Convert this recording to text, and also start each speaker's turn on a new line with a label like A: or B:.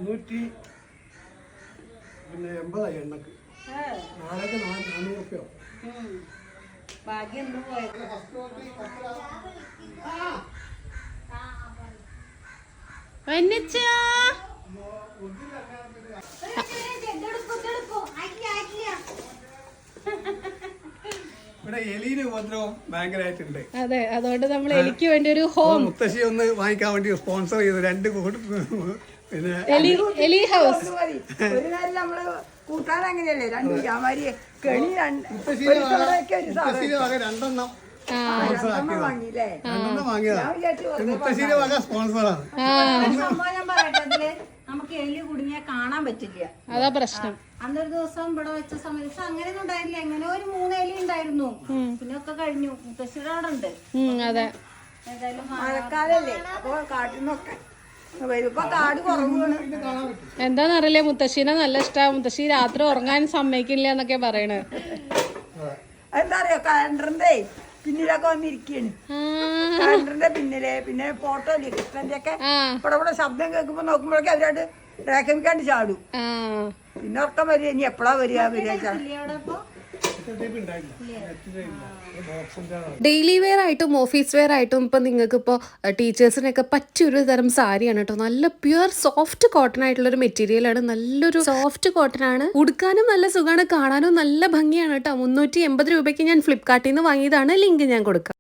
A: 380 എണ്ണക്ക്. നാളേക്ക് 400 റുപ്യ.
B: ഭാഗ്യം പോയത്.
A: ഇവിടെ എലിയുടെ ഉപദ്രവം ഭയങ്കരമായിട്ടുണ്ട്.
B: അതെ, അതുകൊണ്ട് നമ്മൾ എലിക്ക് വേണ്ടി ഒരു ഹോം
A: മുത്തശ്ശി ഒന്ന് വാങ്ങിക്കാൻ വേണ്ടി സ്പോൺസർ ചെയ്തു 2 പിന്നെ
B: എലി ഹൗസ്.
C: ഒരു നേരം നമ്മള് കൂട്ടാൻ അങ്ങനെയല്ലേ 2 ജാമാരി കെണി
A: മുത്തശ്ശിയുടെ വക 2
C: വാങ്ങിയില്ലേ?
A: വാങ്ങിയതാ. മുത്തശ്ശിയുടെ വക സ്പോൺസറാണ്.
B: സംഭവം ഞാൻ പറയട്ടെ, അതില് നമുക്ക് എലി കുടുങ്ങിയാൽ കാണാൻ പറ്റില്ല. അതാ പ്രശ്നം. അന്നൊരു ദിവസം ഇവിടെ വെച്ച സമയത്ത് അങ്ങനെയൊന്നും ഉണ്ടായില്ല. എങ്ങനെ ഒരു 3 എലി ഉണ്ടായിരുന്നു. പിന്നെ ഒക്കെ കഴിഞ്ഞു. മുത്തശ്ശിയുടെ അവിടെ ഉണ്ട്. അതെ, ഏതായാലും
C: മഴക്കാലല്ലേ, അപ്പൊ കാട്ടിന്നൊക്കെ വരുമ്പോ കാട് കുറവാണ്.
B: എന്താന്നറിയില്ലേ, മുത്തശ്ശീനെ നല്ല ഇഷ്ടമാണ്. മുത്തശ്ശി രാത്രി ഉറങ്ങാൻ സമ്മതിക്കില്ല എന്നൊക്കെ പറയണേ.
C: എന്താ പറയാ, കലണ്ടറിന്റെ പിന്നിലൊക്കെ വന്നിരിക്കാണ്. കലണ്ടറിന്റെ പിന്നില് പിന്നെ ഫോട്ടോ ഇല്ലേ കൃഷ്ണന്റെ ഒക്കെ. ഇവിടെ ശബ്ദം കേൾക്കുമ്പോ നോക്കുമ്പോഴൊക്കെ അവരോട് റേക്കമിക്കാണ്ട് ചാടും. പിന്നെ ഉറക്കം വരിക. ഇനി എപ്പോഴാ വരിക
D: ഡെയിലി വെയർ ആയിട്ടും ഓഫീസ് വെയർ ആയിട്ടും ഇപ്പം നിങ്ങൾക്ക് ഇപ്പോൾ ടീച്ചേഴ്സിനൊക്കെ പറ്റിയൊരു തരം സാരിയാണ് കേട്ടോ. നല്ല പ്യുവർ സോഫ്റ്റ് കോട്ടൺ ആയിട്ടുള്ളൊരു മെറ്റീരിയലാണ്. നല്ലൊരു സോഫ്റ്റ് കോട്ടൺ ആണ്. ഉടുക്കാനും നല്ല സുഖമാണ്, കാണാനും നല്ല ഭംഗിയാണ് കേട്ടോ. 380 രൂപയ്ക്ക് ഞാൻ ഫ്ലിപ്കാർട്ടിൽ നിന്ന് വാങ്ങിയതാണ്. ലിങ്ക് ഞാൻ കൊടുക്കാം.